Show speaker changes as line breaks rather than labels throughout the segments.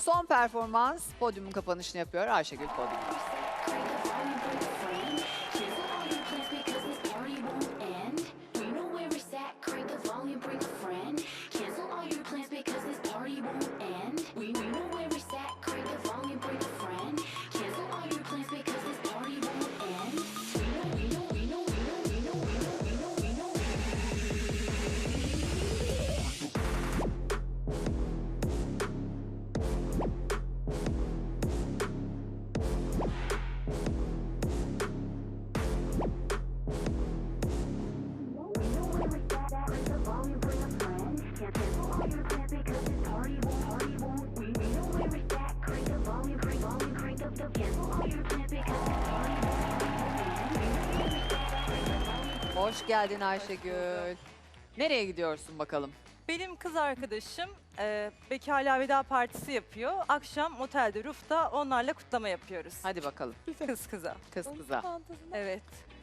Son performans podyumun kapanışını yapıyor Ayşegül podyumda. Hoş geldin Ayşegül. Nereye gidiyorsun bakalım?
Benim kız arkadaşım bekarlığa veda partisi yapıyor. Akşam otelde Ruf'ta onlarla kutlama yapıyoruz.
Hadi bakalım.
Kız kıza.
Kız kıza.
Evet.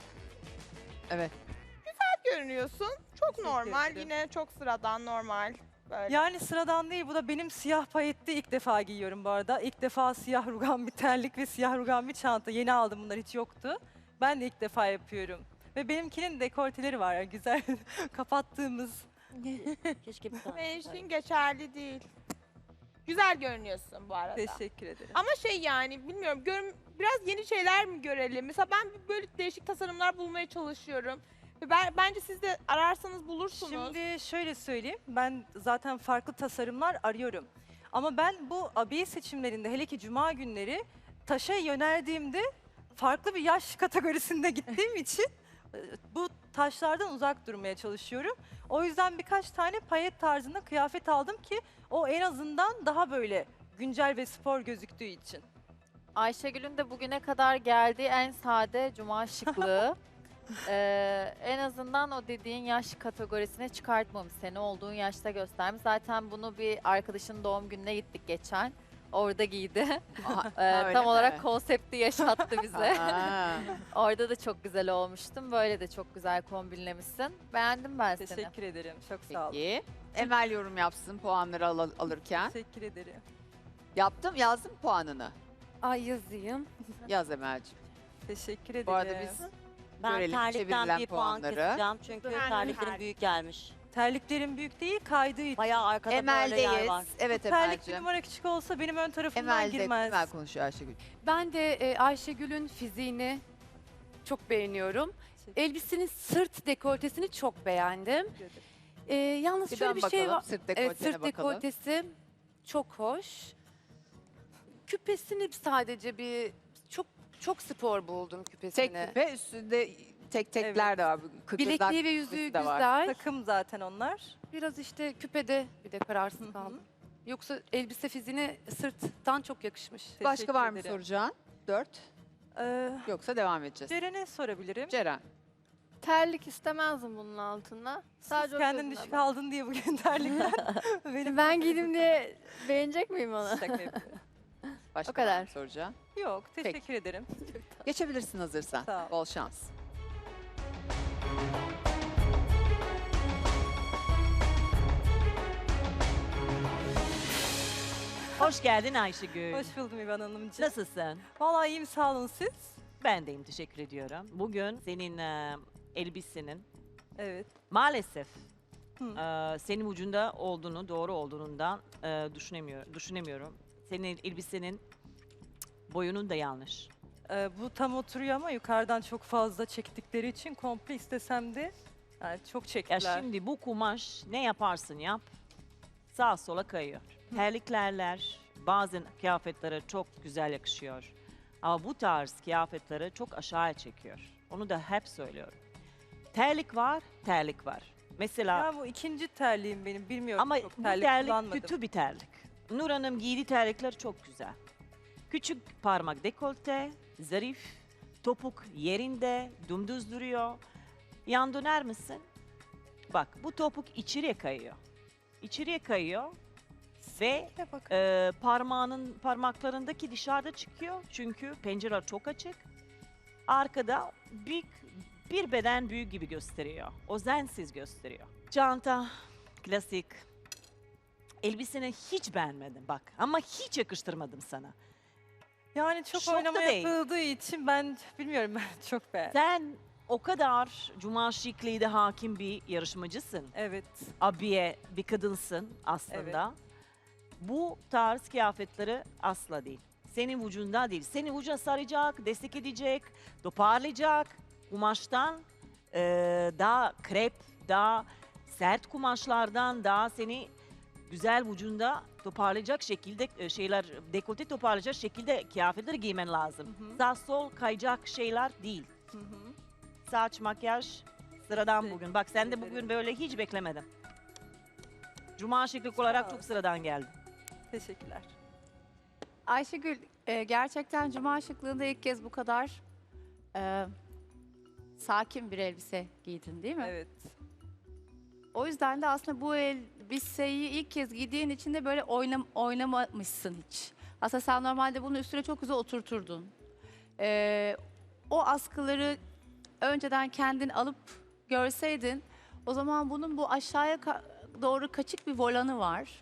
Evet.
Görünüyorsun. Çok
Teşekkür
normal.
ederim.
Yine çok sıradan normal. Böyle.
Yani sıradan değil. Bu da benim siyah payetli ilk defa giyiyorum bu arada. İlk defa siyah rugan bir terlik ve siyah rugan bir çanta. Yeni aldım, bunlar hiç yoktu. Ben de ilk defa yapıyorum. Ve benimkinin dekolteleri var. Yani güzel kapattığımız.
Keşke bir tane.
Senin için geçerli değil. Güzel görünüyorsun bu arada.
Teşekkür ederim.
Ama şey yani bilmiyorum biraz yeni şeyler mi görelim? Mesela ben böyle değişik tasarımlar bulmaya çalışıyorum. Ve bence siz de ararsanız bulursunuz.
Şimdi şöyle söyleyeyim. Ben zaten farklı tasarımlar arıyorum. Ama ben bu abiye seçimlerinde, hele ki cuma günleri taşa yöneldiğimde farklı bir yaş kategorisinde gittiğim için bu taşlardan uzak durmaya çalışıyorum. O yüzden birkaç tane payet tarzında kıyafet aldım ki o en azından daha böyle güncel ve spor gözüktüğü için.
Ayşegül'ün de bugüne kadar geldiği en sade cuma şıklığı. En azından o dediğin yaş kategorisine çıkartmamış. Seni olduğun yaşta göstermiş. Zaten bunu bir arkadaşının doğum gününe gittik geçen. Orada giydi.
Öyle
Tam
mi?
olarak konsepti yaşattı bize.
Ha.
Orada da çok güzel olmuştum. Böyle de çok güzel kombinlemişsin. Beğendim ben seni.
Teşekkür ederim. Çok sağ olun.
Peki. Emel yorum yapsın puanları alırken.
Teşekkür ederim.
Yazdım puanını.
Ay yazayım.
Yaz Emel'ciğim.
Teşekkür ederim.
Bu arada biz
Ben
görelim
terlikten
çevirilen
bir puan
puanları.
keseceğim çünkü
Ben
terliklerim
terlik.
büyük gelmiş.
Terliklerim büyük değil, kaydığı için.
Bayağı arkada böyle yer
Emel'deyiz.
var.
Evet
Terlik bir
Emel'ciğim.
numara küçük olsa benim ön tarafımdan
Emel'de
girmez.
Emel konuşuyor Ayşegül.
Ben de Ayşegül'ün fiziğini çok beğeniyorum. Elbisenin sırt dekoltesini çok beğendim.
Teşekkür ederim.
Yalnız
Bir
şöyle
dön
bir şey
bakalım
var.
sırt
Evet,
dekoltene
sırt
bakalım.
dekoltesi çok hoş. Küpesini sadece çok spor buldum küpesini.
Tek küpe üstünde tek de var. Kıkırdak
Bilekliği ve yüzüğü
küpesi de var.
güzel.
Takım zaten onlar.
Biraz işte küpede bir de kararsız
Hı hı.
kaldım. Yoksa elbise fiziğine sırttan çok yakışmış.
Başka
Teşekkür
var mı
ederim.
soracağın? 4. Yoksa devam edeceğiz.
Ceren'e sorabilirim.
Ceren.
Terlik istemezdim bunun altına. Sadece
Siz
o
kendin
gözüne
düşük
bak.
aldın diye bugün terlikler. Benim
Ben giydim diye beğenecek miyim onu?
Şaka yapıyorum.
Başka
O kadar.
var mı soracağın?
Yok, teşekkür ederim.
Geçebilirsin hazırsan.
Sağ ol.
Bol şans.
Hoş geldin Ayşegül.
Hoş buldum İvan Hanımcığım.
Nasılsın?
Vallahi iyiyim, sağ olun siz.
Ben deyim, teşekkür ediyorum. Bugün senin elbisenin
Evet.
maalesef
Hı.
senin ucunda olduğunu, doğru olduğundan düşünemiyorum. Senin elbisenin boyunun da yanlış.
Bu tam oturuyor ama yukarıdan çok fazla çektikleri için komple istesem de yani çok
Ya
çektiler.
şimdi bu kumaş ne yaparsın yap, sağa sola kayıyor. Terliklerler bazen kıyafetlere çok güzel yakışıyor. Ama bu tarz kıyafetleri çok aşağıya çekiyor. Onu da hep söylüyorum. Terlik var, terlik var. Mesela
Ya bu ikinci terliğim benim, bilmiyorum,
ama
çok
bu
terlik
terlik
kullanmadım.
kötü bir terlik. Nur Hanım giydiği terlikler çok güzel. Küçük parmak dekolte, zarif, topuk yerinde, dümdüz duruyor. Yan döner misin? Bak bu topuk içeriye kayıyor. İçeriye kayıyor ve
Ya bakın.
parmaklarındaki dışarıda çıkıyor. Çünkü pencere çok açık. Arkada bir beden büyük gibi gösteriyor. Özensiz gösteriyor. Çanta, klasik. elbiseni hiç beğenmedim bak. Ama hiç yakıştırmadım sana.
Yani çok
Şok da
oynama
değil.
yapıldığı için ben bilmiyorum, ben çok beğendim.
Sen o kadar cuma şıklığıyla hakim bir yarışmacısın.
Evet.
Abiye bir kadınsın aslında. Bu tarz kıyafetleri asla değil. Senin vücudunda değil. Seni vücuda saracak, destek edecek, toparlayacak. Kumaştan daha krep, daha sert kumaşlardan daha seni güzel vücudunda toparlayacak şekilde şeyler, dekolte toparlayacak şekilde kıyafetleri giymen lazım.
Hı hı.
Sağ sol kayacak şeyler değil.
Hı hı.
Saç, makyaj sıradan
Teşekkür
bugün. Bak sen de bugün
ederim.
böyle hiç beklemedim. Cuma şıklık olarak
ol.
çok sıradan geldi.
Teşekkürler.
Ayşegül, gerçekten cuma şıklığında ilk kez bu kadar sakin bir elbise giydin değil mi?
Evet.
O yüzden de aslında bu elbiseyi ilk kez giydiğin için de böyle oynamamışsın hiç. Aslında sen normalde bunun üstüne çok güzel oturturdun. O askıları önceden kendin alıp görseydin, o zaman bunun bu aşağıya doğru kaçık bir volanı var.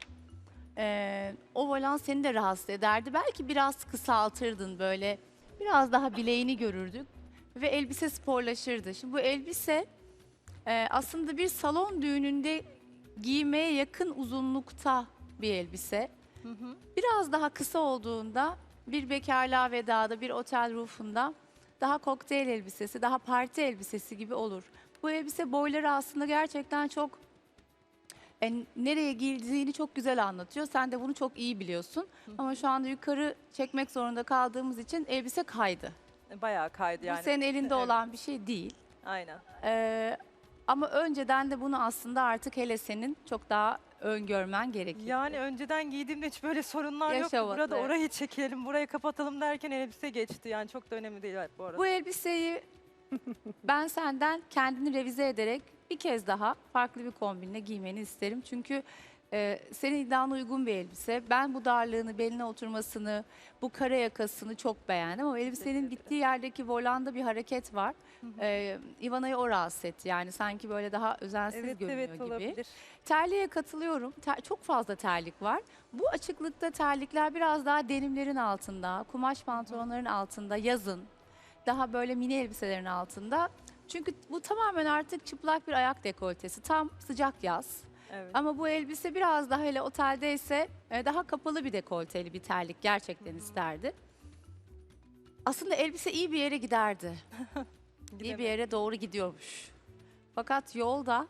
O volan seni de rahatsız ederdi. Belki biraz kısaltırdın böyle. Biraz daha bileğini görürdük. Ve elbise sporlaşırdı. Şimdi bu elbise aslında bir salon düğününde giymeye yakın uzunlukta bir elbise.
Hı hı.
Biraz daha kısa olduğunda bir bekarlığa vedada, bir otel roof'unda daha kokteyl elbisesi, daha parti elbisesi gibi olur. Bu elbise boyları aslında gerçekten çok nereye giyildiğini çok güzel anlatıyor. Sen de bunu çok iyi biliyorsun. Ama şu anda yukarı çekmek zorunda kaldığımız için elbise kaydı.
Bayağı kaydı yani.
Bu senin elinde
Evet.
olan bir şey değil.
Aynen.
Ama önceden de bunu aslında artık hele senin çok daha öngörmen gerekiyor.
Yani önceden giydiğimde hiç böyle sorunlar yoktu.
Yaşamadı,
Burada
evet.
orayı çekelim, burayı kapatalım derken elbise geçti. Yani çok da önemli değil bu arada.
Bu elbiseyi ben senden kendini revize ederek bir kez daha farklı bir kombinle giymeni isterim. Çünkü senin iddiana uygun bir elbise. Ben bu darlığını, beline oturmasını, bu kare yakasını çok beğendim. Ama elbisenin bittiği yerdeki volanda bir hareket var. Ivana'yı o rahatsız etti. Yani sanki böyle daha özensiz
Evet,
görünüyor
evet
gibi.
olabilir.
Terliğe katılıyorum. Çok fazla terlik var. Bu açıklıkta terlikler biraz daha denimlerin altında, kumaş pantolonların altında, yazın. Daha böyle mini elbiselerin altında. Çünkü bu tamamen artık çıplak bir ayak dekoltesi. Tam sıcak yaz.
Evet.
Ama bu elbise biraz daha hele oteldeyse daha kapalı bir dekolteli bir terlik gerçekten isterdi. Aslında elbise iyi bir yere giderdi. İyi bir yere doğru gidiyormuş. Fakat yolda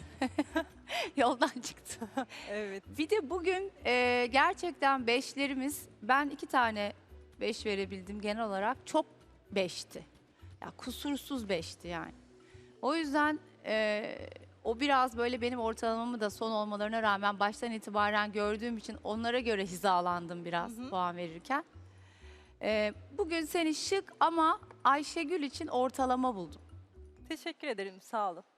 yoldan çıktı.
Evet.
Bir de bugün gerçekten beşlerimiz, ben 2 tane 5 verebildim genel olarak, çok beşti. Ya kusursuz beşti yani. O yüzden o biraz böyle benim ortalamamı da son olmalarına rağmen baştan itibaren gördüğüm için onlara göre hizalandım biraz puan verirken. Bugün seni şık ama Ayşegül için ortalama buldum.
Teşekkür ederim, sağ olun.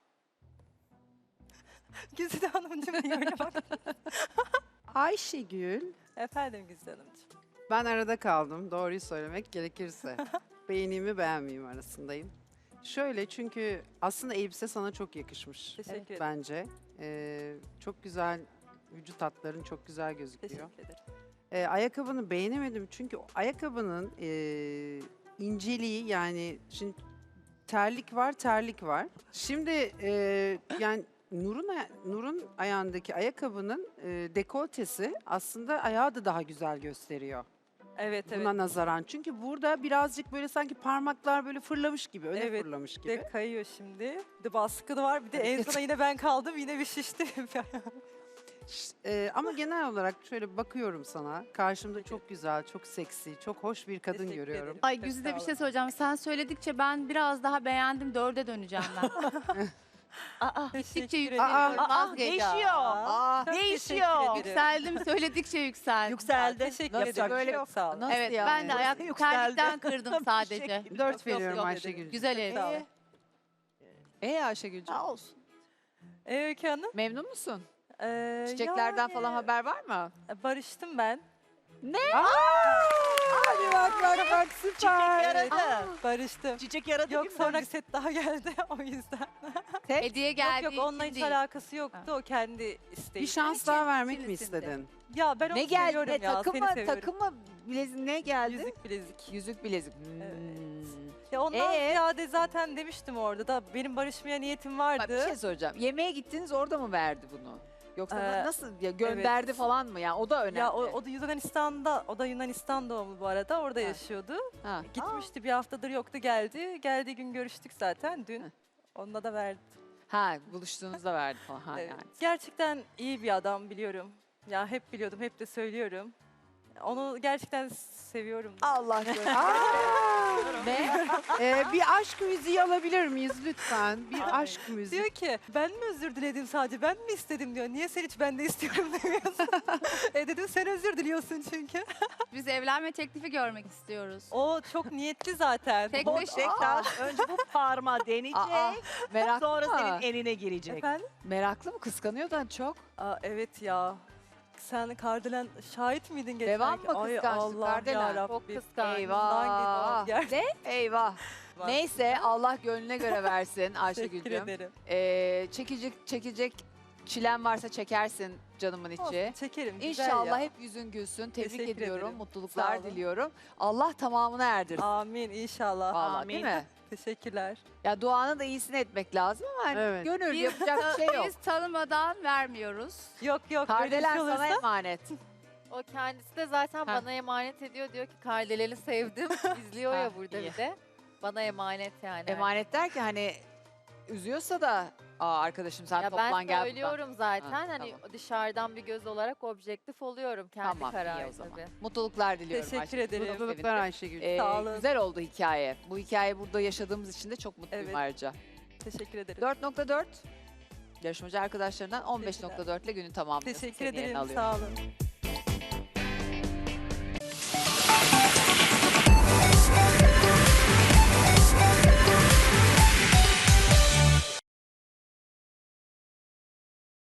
Güzide Hanımcığım niye öyle bak?
Ayşegül,
Efendim Güzide Hanımcığım.
ben arada kaldım doğruyu söylemek gerekirse. Beğeneyim mi beğenmeyeyim arasındayım. Şöyle, çünkü aslında elbise sana çok yakışmış
Teşekkür ederim.
bence. Çok güzel, vücut hatların çok güzel gözüküyor.
Teşekkür ederim.
Ayakkabını beğenemedim çünkü o ayakkabının inceliği, yani şimdi terlik var. Şimdi yani Nur'un ayağındaki ayakkabının dekoltesi aslında ayağı da daha güzel gösteriyor
Evet, evet.
buna nazaran. Çünkü burada birazcık böyle sanki parmaklar böyle fırlamış gibi, öne
Evet,
fırlamış gibi.
Bir de kayıyor şimdi. Bir de baskı da var. Bir de en
Evet.
sona yine ben kaldım. Yine bir şişti.
Ama genel olarak şöyle bakıyorum sana. Karşımda çok güzel, çok seksi, çok hoş bir kadın
Teşekkür
görüyorum.
ederim.
Ay
Çok
Güzide
sağ
bir şey
olun.
söyleyeceğim. Sen söyledikçe ben biraz daha beğendim. 4'e döneceğim ben. Gittikçe
Teşekkür
yükseliyorum.
ederim.
Vazgeçeceğim.
Değişiyor.
Çok
Değişiyor.
teşekkür ederim.
Yükseldim, söyledikçe yükseldim.
Yükseldi.
Teşekkür
Yapacak
ederim.
bir şey yok.
Çok sağ olun.
Evet, ben de ayak
Yükseldi.
terlikten kırdım sadece.
Teşekkür
4
Yok,
veriyorum
yok
Ayşegül.
Güzel
Sağ olun.
elbise.
Ayşegül'cüğüm.
Sağ olsun.
Öykü Hanım.
Memnun musun?
Çiçeklerden
Çiçeklerden falan haber var mı?
Barıştım ben.
Hadi bak süper.
Çiçek yaradı.
Barıştım.
Çiçek yaradı
Yok
gibi
sonra
barış-
set daha geldi o yüzden.
Hediye geldiği
Yok onunla
için
hiç
değil.
alakası yoktu. O kendi isteği.
Bir şans daha vermek mi
içerisinde.
istedin?
Ya ben onu
Ne geldi?
seviyorum ya.
Takım
Seni
mı?
seviyorum.
Takım mı? Bilezik ne geldi?
Yüzük bilezik.
Yüzük bilezik.
Evet.
Hmm.
Ya ondan
Ee?
ziyade zaten demiştim orada da benim barışmaya niyetim
Bak,
vardı.
bir şey soracağım. Yemeğe gittiniz orada mı verdi bunu? Yoksa nasıl ya gönderdi
evet.
falan mı? Yani o da önemli.
Ya o da Yunanistan'da, o da Yunanistan doğumlu bu arada. Orada
Ha.
yaşıyordu.
Ha.
Gitmişti bir haftadır yoktu geldi. Geldiği gün görüştük zaten dün.
Heh.
Onunla da verdi.
Ha, buluştuğunuzda verdi falan. Ha,
Evet.
yani.
Gerçekten iyi bir adam biliyorum. Ya hep biliyordum, hep de söylüyorum. Onu gerçekten seviyorum.
Allah gönderdi. Ne?
Bir aşk müziği alabilir miyiz lütfen? Bir aşk müziği.
Diyor ki ben mi özür diledim sadece ben mi istedim diyor. Niye sen hiç ben de istiyorum demiyorsun. Dedim sen özür diliyorsun çünkü.
Biz evlenme teklifi görmek istiyoruz.
O çok niyetli zaten.
Tek
Bu
beş-
tekrar önce bu parmağı deneyecek.
Aa, meraklı
Sonra
mı?
senin eline girecek.
Efendim?
Meraklı mı? Kıskanıyordan çok.
Evet ya. Sen Kardelen şahit miydin geçen
Devam
gün?
mı
Ay
kıskançlık
Allah
Kardelen?
yarabbim.
Çok kıskanç.
Eyvah.
Gerçekten.
Eyvah. Neyse Allah gönlüne göre versin
Teşekkür
Ayşegül'cüm.
ederim.
Çekecek çilen varsa çekersin canımın içi.
Olsun, çekerim. güzel
İnşallah
ya.
hep yüzün gülsün. Tebrik
Teşekkür
ediyorum.
ederim. Sağ
Mutluluklar
olun.
diliyorum. Allah tamamını erdirsin.
Amin inşallah.
Vallahi, değil
Amin.
mi?
Teşekkürler.
Ya duanın da iyisini etmek lazım ama hani
Evet.
gönül
Biz,
yapacak bir şey yok.
biz tanımadan vermiyoruz.
Yok yok böyle bir
Kardelen
şey
sana
olursa.
emanet.
O kendisi de zaten
Ha.
bana emanet ediyor. Diyor ki Kardelen'i sevdim. İzliyor
Ha,
ya burada
iyi.
bir de. Bana emanet yani.
Emanet der ki hani üzüyorsa da arkadaşım sen
Ya
toplan
ben
gel buradan.
söylüyorum zaten
Ha,
hani
tamam.
dışarıdan bir göz olarak objektif oluyorum. Kendi
Tamam iyi
kararı
o zaman.
tabii.
Mutluluklar diliyorum.
Teşekkür
Ayşegül.
ederim.
Çok
Mutluluklar
sevindim.
Ayşegül.
Sağ olun.
Güzel oldu hikaye. Bu hikaye burada yaşadığımız için de çok mutluyum
Evet.
ayrıca.
Teşekkür ederim.
4.4 yarışmacı arkadaşlarından 15.4 ile günü tamamlıyorsun.
Teşekkür
Senin yerini
ederim.
alıyorum.
Sağ olun.